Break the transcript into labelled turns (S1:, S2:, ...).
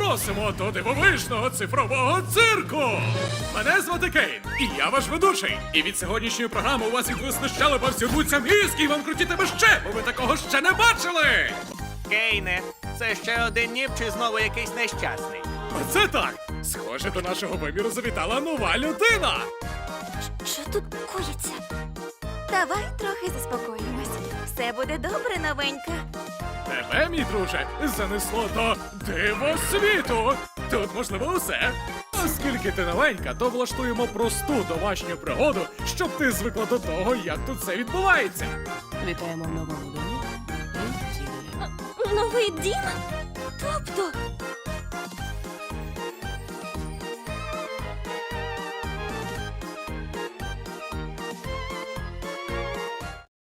S1: Просимо до дивовижного цифрового цирку! Мене звати Кейн, і я ваш ведучий. І від сьогоднішньої програми у вас відвисли щелепа, всюдуться мізки, і вам крутітиме ще, бо ви такого ще не бачили!
S2: Кейне, це ще один ніп чи знову якийсь нещасний?
S1: Оце так! Схоже, до нашого виміру завітала нова людина!
S3: Що тут коїться? Давай трохи заспокоїмось. Все буде добре, новенька.
S1: Тебе, мій друже, занесло до дивосвіту! Тут можливо усе. Оскільки ти новенька, то влаштуємо просту домашню пригоду, щоб ти звикла до того, як тут все відбувається.
S4: Вітаємо в новому домі.
S3: Новий дім? Тобто,